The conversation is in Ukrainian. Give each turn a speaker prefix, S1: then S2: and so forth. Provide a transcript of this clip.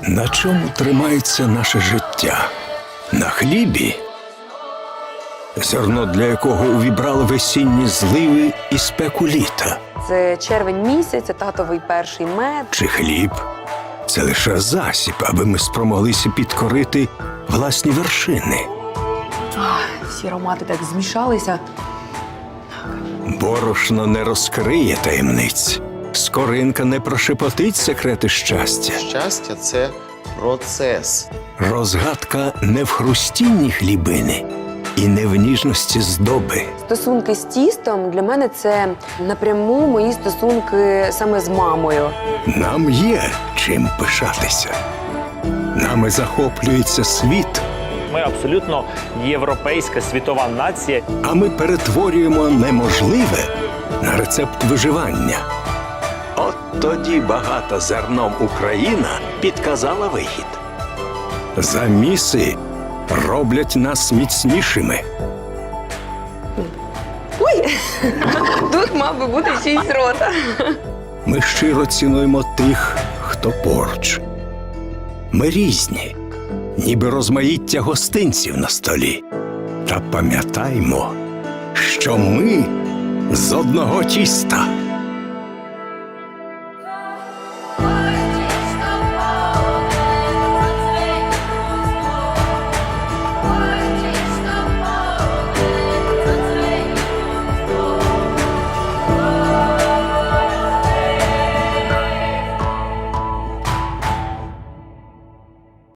S1: На чому тримається наше життя? На хлібі? Зерно, для якого увібрали весінні зливи і спеку літа.
S2: Це червень місяць, це татовий перший мед.
S1: Чи хліб? Це лише засіб, аби ми спромоглися підкорити власні вершини.
S2: Всі аромати так змішалися.
S1: Борошно не розкриє таємниць. Скоринка не прошепотить секрети щастя.
S3: Щастя – це процес.
S1: Розгадка не в хрустінні хлібини і не в ніжності здоби.
S2: Стосунки з тістом для мене це напряму мої стосунки саме з мамою.
S1: Нам є чим пишатися. Нами захоплюється світ,
S4: Ми абсолютно європейська світова нація.
S1: а ми перетворюємо неможливе на рецепт виживання. От тоді багата зерном Україна підказала вихід. Заміси роблять нас міцнішими.
S2: Ой! Тут мав би бути чийсь рота.
S1: Ми щиро цінуємо тих, хто поруч. Ми різні, ніби розмаїття гостинців на столі. Та пам'ятаймо, що ми з одного тіста.